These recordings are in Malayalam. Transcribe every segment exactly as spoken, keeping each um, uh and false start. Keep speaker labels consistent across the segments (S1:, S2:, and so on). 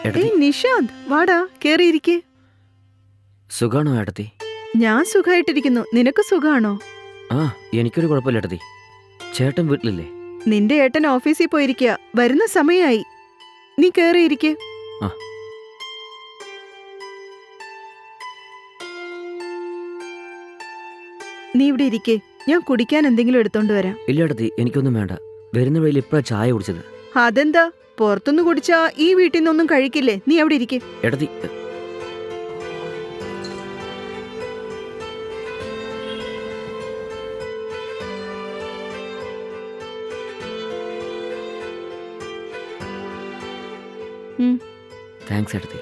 S1: ഏയ് നിഷാന്ത്, വാടാ, കേറിയിരിക്കെ.
S2: സുഖാണോ ഏട്ടത്തി?
S1: ഞാൻ സുഖായിട്ടിരിക്കുന്നു. നിനക്ക് സുഖാണോ?
S2: ആ, എനിക്കൊരു കുഴപ്പമില്ല ഏട്ടത്തി. ചേട്ടൻ വീട്ടിലില്ലേ?
S1: നിന്റെ ഏട്ടൻ ഓഫീസിൽ പോയിരിക്കുക. വരുന്ന സമയായി. നീ കേറിയിരിക്കെ.
S2: ആ.
S1: നീ ഇവിടെ ഇരിക്കെ. ഞാൻ കുടിക്കാൻ എന്തെങ്കിലും എടുത്തോണ്ട് വരാം.
S2: ഇല്ല ഏട്ടത്തി, എനിക്കൊന്നും വേണ്ട. വരുന്ന വഴിയിൽ ഇപ്പഴാ ചായ കുടിച്ചത്.
S1: അതെന്താ? പുറത്തുനിന്ന് കുടിച്ചാ ഈ വീട്ടിൽ നിന്നൊന്നും കഴിക്കില്ലേ? നീ അവിടെ ഇരിക്കെ.
S2: ഏട്ടത്തി, താങ്ക്സ് ഏട്ടത്തി.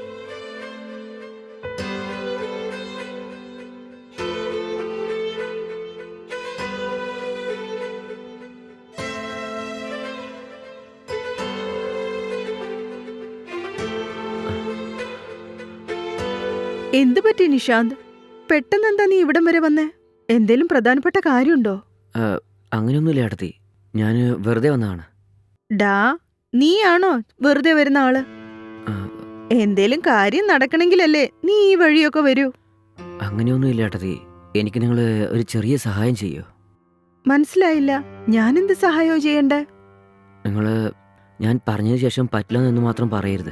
S1: എന്ത് പറ്റി നിഷാന്ത്? പെട്ടെന്ന് എന്താ നീ ഇവിടം വരെ വന്നേ? എന്തേലും പ്രധാനപ്പെട്ട കാര്യമുണ്ടോ?
S2: അങ്ങനെയൊന്നുമില്ല ഏട്ടത്തി, ഞാൻ വെറുതെ വന്നതാണ്.
S1: ഡാ, നീയാണോ വെറുതെ വരുന്ന ആള്? എന്തേലും കാര്യം നടക്കണെങ്കിലല്ലേ നീ ഈ വഴിയൊക്കെ വരൂ.
S2: അങ്ങനെയൊന്നുമില്ല ഏട്ടത്തി, എനിക്ക് നിങ്ങൾ ഒരു ചെറിയ സഹായം ചെയ്യോ?
S1: മനസ്സിലായില്ല. ഞാനെന്ത് സഹായമോ ചെയ്യണ്ടേ?
S2: നിങ്ങൾ ഞാൻ പറഞ്ഞതിന് ശേഷം പറ്റില്ലെന്ന് മാത്രം പറയരുത്.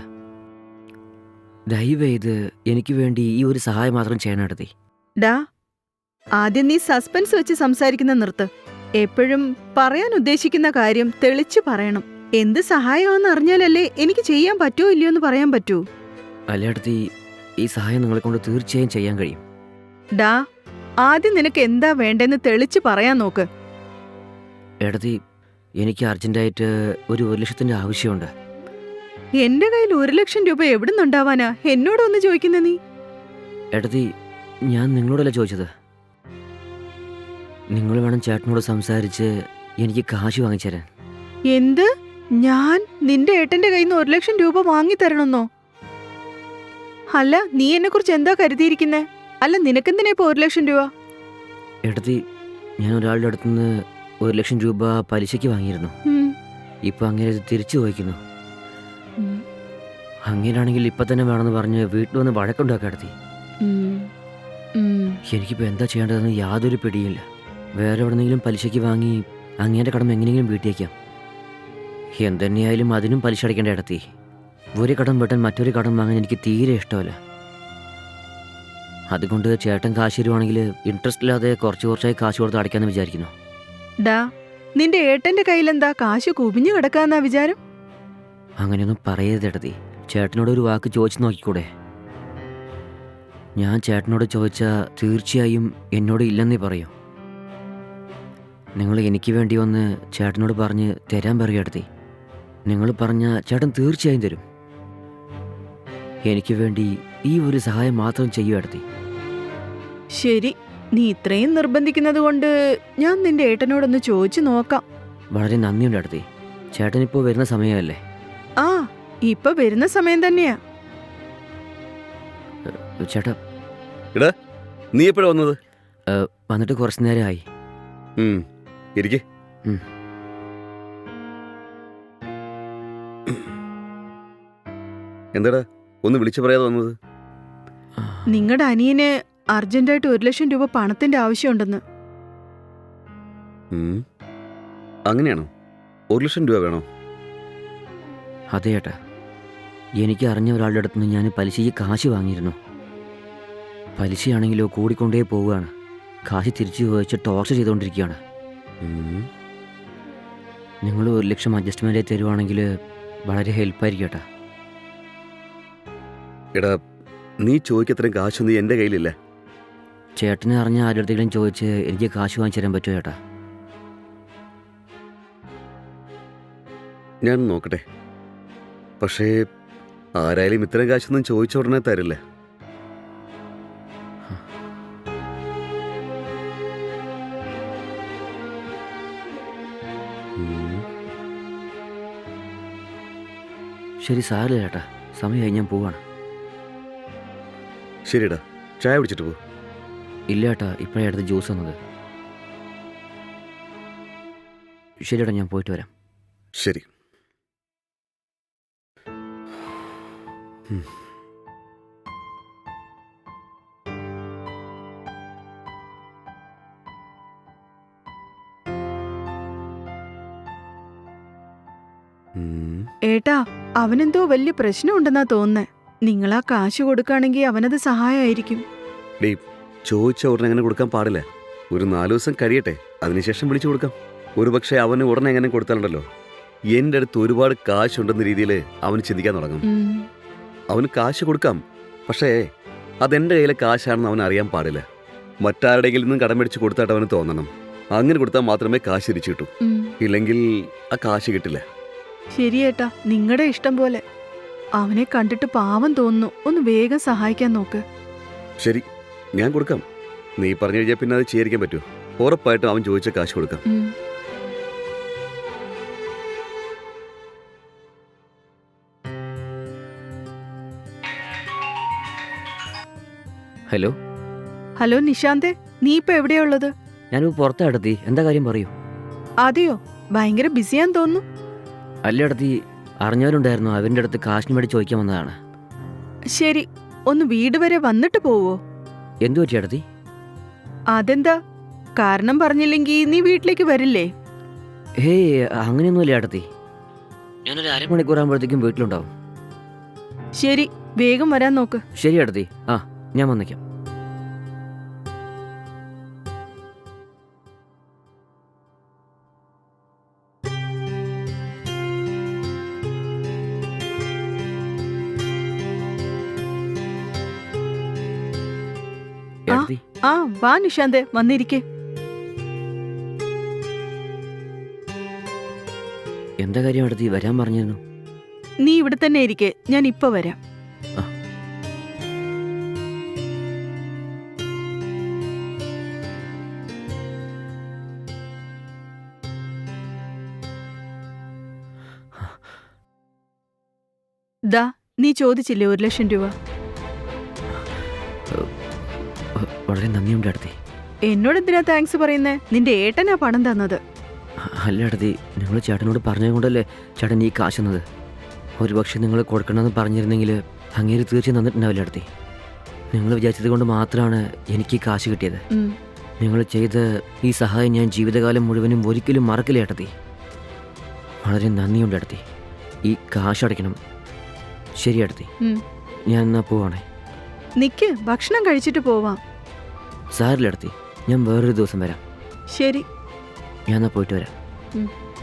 S2: ദയവ് ചെയ്ത് എനിക്ക് വേണ്ടി ഈ ഒരു സഹായം മാത്രം ചെയ്യണം ഏട്ടത്തി.
S1: ഡാ, ആദ്യം നീ സസ്പെൻസ് വെച്ച് സംസാരിക്കുന്ന നിർത്ത്. എപ്പോഴും പറയാൻ ഉദ്ദേശിക്കുന്ന കാര്യം തെളിച്ചു പറയണം. എന്ത് സഹായമാണെന്ന് അറിഞ്ഞാലല്ലേ എനിക്ക് ചെയ്യാൻ പറ്റുമോ ഇല്ലയോ എന്ന് പറയാൻ പറ്റൂ.
S2: അല്ലേടത്തി, ഈ സഹായം നിങ്ങളെ കൊണ്ട് തീർച്ചയായും ചെയ്യാൻ കഴിയും.
S1: ഡാ, ആദ്യം നിനക്ക് എന്താ വേണ്ടെന്ന് തെളിച്ചു പറയാൻ നോക്ക്.
S2: ഏടത്തി, എനിക്ക് അർജന്റായിട്ട് ഒരു ഒരു ലക്ഷത്തിന്റെ ആവശ്യമുണ്ട്.
S1: എന്റെ കയ്യിൽ ഒരു ലക്ഷം രൂപ എവിടുന്നുണ്ടാവാനാ? എന്നോടൊന്ന് ചോദിക്കുന്ന നീ?
S2: ഏടത്തി, ഞാൻ നിങ്ങളോടല്ല ചോദിച്ചത്. നിങ്ങൾ വേണം ചേട്ടനോട് സംസാരിച്ച് എനിക്ക് കാശ് വാങ്ങിച്ചു തരാൻ.
S1: എന്ത്? ഞാൻ നിന്റെ ഏട്ടന്റെ കയ്യിൽ നിന്ന് ഒരു ലക്ഷം രൂപ വാങ്ങി തരണമെന്നോ? അല്ല, നീ എന്നെ കുറിച്ച് എന്താ കരുതിയിരിക്കുന്നേ? അല്ല, നിനക്കെന്തിനാ ഇപ്പൊ ഒരു ലക്ഷം രൂപ?
S2: ഏടത്തി, ഞാൻ ഒരാളുടെ അടുത്തുനിന്ന് ഒരു ലക്ഷം രൂപ പലിശയ്ക്ക് വാങ്ങിയിരുന്നു. ഇപ്പൊ അങ്ങനെ തിരിച്ചു ചോദിക്കുന്നു. അങ്ങനെയാണെങ്കിൽ ഇപ്പൊ തന്നെ വേണമെന്ന് പറഞ്ഞ് വീട്ടിൽ വന്ന് വഴക്കുണ്ടാക്കി ഏടത്തി. എനിക്കിപ്പോ എന്താ ചെയ്യേണ്ടതെന്ന് യാതൊരു പിടിയില്ല. വേറെ എവിടെന്നെങ്കിലും പലിശയ്ക്ക് വാങ്ങി അങ്ങേന്റെ കടം എങ്ങനെയെങ്കിലും വീട്ടിയേക്കാം. എന്തെന്നെയായാലും അതിനും പലിശ അടയ്ക്കേണ്ട ഏടത്തി. ഒരു കടം വെട്ടാൻ മറ്റൊരു കടം വാങ്ങാൻ എനിക്ക് തീരെ ഇഷ്ടമല്ല. അതുകൊണ്ട് ചേട്ടൻ കാശ് തരുവാണെങ്കിൽ ഇൻട്രസ്റ്റ് ഇല്ലാതെ കുറച്ച് കുറച്ചായി കാശ് കൊടുത്ത് അടയ്ക്കാന്ന് വിചാരിക്കുന്നു.
S1: ഡാ, നിന്റെ ഏട്ടന്റെ കയ്യിലെന്താ കാശ് കുവിഞ്ഞു കിടക്കാന്നാ വിചാരം?
S2: അങ്ങനെയൊന്നും പറയരുത് ഏടത്തി. ചേട്ടനോട് ഒരു വാക്ക് ചോദിച്ചു നോക്കിക്കൂടെ? ഞാൻ ചേട്ടനോട് ചോദിച്ചാൽ തീർച്ചയായും എന്നോട് ഇല്ലെന്നേ പറയൂ. നിങ്ങൾ എനിക്ക് വേണ്ടി വന്ന് ചേട്ടനോട് പറഞ്ഞ് തരാൻ പറയുക ഏടത്തി. നിങ്ങൾ പറഞ്ഞ ചേട്ടൻ തീർച്ചയായും തരും. എനിക്ക് വേണ്ടി ഈ ഒരു സഹായം മാത്രം ചെയ്യൂ ഏടത്തി.
S1: ശരി, നീ ഇത്രയും നിർബന്ധിക്കുന്നത് കൊണ്ട് ഞാൻ നിന്റെ ഏട്ടനോടൊന്ന് ചോദിച്ചു നോക്കാം.
S2: വളരെ നന്ദിയുണ്ട് ഏടത്തി. ചേട്ടനിപ്പോൾ വരുന്ന സമയമല്ലേ?
S1: ആ, ഇപ്പൊ വരുന്ന സമയം തന്നെയാ.
S2: ചേട്ടാ,
S3: നീ എപ്പോഴാ വന്നത്?
S2: വന്നിട്ട് കുറച്ചു നേരമായി.
S3: ഇരിക്കെ. എന്താടാ ഒന്ന് വിളിച്ചു പറയാതെ വന്നത്?
S1: നിങ്ങളുടെ അനിയന് അർജന്റായിട്ട് ഒരു ലക്ഷം രൂപ പണത്തിന്റെ ആവശ്യമുണ്ടെന്ന്.
S3: അങ്ങനെയാണോ? ഒരു ലക്ഷം രൂപ വേണോ?
S2: അതെ ഏട്ടാ, എനിക്ക് അറിഞ്ഞ ഒരാളുടെ അടുത്ത് നിന്ന് ഞാൻ പലിശയ്ക്ക് കാശ് വാങ്ങിയിരുന്നു. പലിശയാണെങ്കിലോ കൂടിക്കൊണ്ടേ പോവുകയാണ്. കാശ് തിരിച്ചു ചോദിച്ച് ടോർച്ചർ ചെയ്തുകൊണ്ടിരിക്കുകയാണ്. നിങ്ങൾ ഒരു ലക്ഷം അഡ്ജസ്റ്റ്മെൻ്റ് തരുവാണെങ്കിൽ വളരെ ഹെൽപ്പായിരിക്കും ഏട്ടാ.
S3: എടാ, നീ ചോദിക്കത്രയും കാശൊന്നും എൻ്റെ കയ്യിലില്ല.
S2: ചേട്ടനെ അറിഞ്ഞ ആരുടെ അടുത്തെങ്കിലും ചോദിച്ച് എനിക്ക് കാശ് വാങ്ങിച്ചു തരാൻ പറ്റുമോ ഏട്ടാ?
S3: ഞാൻ നോക്കട്ടെ. പക്ഷേ ആരായാലും ഇത്തരം കാശൊന്നും ചോദിച്ച ഉടനെ തരില്ല.
S2: ശരി, സാറില്ല ചേട്ടാ, സമയമായി, ഞാൻ പോവാണ്.
S3: ശരിടാ, ചായ കുടിച്ചിട്ട് പോ.
S2: ഇല്ല ഏട്ടാ, ഇപ്പോഴേ അടുത്ത് ജ്യൂസ് വന്നത്. ശരിയേട്ടാ, ഞാൻ പോയിട്ട് വരാം.
S3: ശരി. ഉം. ഉം.
S1: ഏട്ടാ, അവനെന്തോ വലിയ പ്രശ്നമുണ്ടെന്നാ തോന്നുന്നേ. നിങ്ങളാ കാശ് കൊടുക്കുകയാണെങ്കിൽ അവനത് സഹായമായിരിക്കും.
S3: ഡേ, ചോദിച്ച ഉടനെ അങ്ങനെ കൊടുക്കാൻ പാടില്ല. ഒരു നാലു ദിവസം കഴിയട്ടെ, അതിനുശേഷം വിളിച്ചു കൊടുക്കാം. ഒരുപക്ഷെ അവന് ഉടനെ എങ്ങനെ കൊടുത്താലുണ്ടല്ലോ, എൻ്റെ അടുത്ത് ഒരുപാട് കാശുണ്ടെന്ന രീതിയിൽ അവന് ചിന്തിക്കാൻ തുടങ്ങും.
S1: ഉം.
S3: അവന് കാശ് കൊടുക്കാം, പക്ഷേ അതെൻ്റെ കയ്യിലെ കാശാണെന്ന് അവൻ അറിയാൻ പാടില്ല. മറ്റാരുടെയെങ്കിലും നിന്നും കടം മേടിച്ച് കൊടുത്തായിട്ട് അവന് തോന്നണം. അങ്ങനെ കൊടുത്താൽ മാത്രമേ കാശ് തിരിച്ചു കിട്ടൂ.
S1: ഉം.
S3: ഇല്ലെങ്കിൽ ആ കാശ് കിട്ടില്ല.
S1: ശരിയേട്ടാ, നിങ്ങളുടെ ഇഷ്ടം പോലെ. അവനെ കണ്ടിട്ട് പാവം തോന്നുന്നു. ഒന്ന് വേഗം സഹായിക്കാൻ നോക്ക്.
S3: ശരി, ഞാൻ കൊടുക്കാം. നീ പറഞ്ഞു കഴിഞ്ഞാൽ പിന്നെ അത് ചെയ്യാതിരിക്കാൻ പറ്റുമോ? ഉറപ്പായിട്ടും അവൻ ചോദിച്ച കാശ് കൊടുക്കാം.
S1: ഉം.
S2: ഹലോ,
S1: ഹലോ നിശാന്തേ, നീ ഇപ്പൊ എവിടെയാ ഉള്ളത്?
S2: ഞാനിപ്പോൾ പുറത്താ ഏട്ടത്തി. എന്താ കാര്യം പറയൂ.
S1: അതെയോ, ഭയങ്കര ബിസിയാന്ന് തോന്നുന്നു.
S2: അല്ല ഏട്ടത്തി, അറിഞ്ഞവരുണ്ടായിരുന്നു. അവൻ്റെ അടുത്ത് കാശിന് വേണ്ടി ചോദിക്കാൻ വന്നതാണ്.
S1: ശരി, ഒന്ന് വീട് വരെ വന്നിട്ട് പോവോ?
S2: എന്തു പറ്റി ഏട്ടത്തി?
S1: അതെന്താ, കാരണം പറഞ്ഞില്ലെങ്കിൽ നീ വീട്ടിലേക്ക് വരില്ലേ?
S2: ഹേയ്, അങ്ങനെയൊന്നുമില്ല ഏട്ടത്തി. ഞാനൊരു അരമണിക്കൂർ ആകുമ്പോഴത്തേക്കും വീട്ടിലുണ്ടാവും.
S1: ശരി, വേഗം വരാൻ നോക്ക്.
S2: ശരി ഏട്ടത്തി. ആ, ഞാൻ വന്നേക്കാം. ഏട്ടത്തി,
S1: ആ വാ നിശാന്തേ, വന്നിരിക്കെ.
S2: എന്താ കാര്യം ഏട്ടത്തി? വരാൻ പറഞ്ഞിരുന്നു.
S1: നീ ഇവിടെ തന്നെ ഇരിക്കെ, ഞാൻ ഇപ്പൊ വരാം.
S2: ആ.
S1: ദാ, നീ ചോദിച്ചില്ലേ ഒരു ലക്ഷം രൂപ?
S2: വളരെ നന്ദിയുണ്ട് ഏട്ടത്തി.
S1: എന്നോട് എന്തിനാ താങ്ക്സ് പറയുന്നേ? നിന്റെ ഏട്ടനാ പണം തന്നത്.
S2: അല്ല ഏട്ടത്തി, നിങ്ങൾ ചേട്ടനോട് പറഞ്ഞത് കൊണ്ടല്ലേ ചേട്ടൻ ഈ കാശ് തന്നത്. ഒരുപക്ഷെ നിങ്ങൾ കൊടുക്കണമെന്ന് പറഞ്ഞിരുന്നെങ്കിൽ അങ്ങേര് തീർച്ചയായും തന്നിട്ടുണ്ടാവില്ല ഏട്ടത്തി. നിങ്ങൾ വിചാരിച്ചത് കൊണ്ട് മാത്രമാണ് എനിക്ക് ഈ കാശ് കിട്ടിയത്.
S1: ഉം.
S2: നിങ്ങൾ ചെയ്ത ഈ സഹായം ഞാൻ ജീവിതകാലം മുഴുവനും ഒരിക്കലും മറക്കില്ല ഏട്ടത്തി. വളരെ നന്ദിയുണ്ട് ഏട്ടത്തി. ഈ കാശ് അടയ്ക്കണം. ശരി ഏട്ടത്തി,
S1: ഉം.
S2: ഞാൻ എന്നാ പോവാണേ.
S1: നിക്ക്, ഭക്ഷണം കഴിച്ചിട്ട് പോവാം.
S2: സാരില്ല ഏട്ടത്തി, ഞാൻ വേറൊരു ദിവസം വരാം.
S1: ശരി.
S2: ഞാൻ എന്നാ പോയിട്ട് വരാം.
S1: ഉം.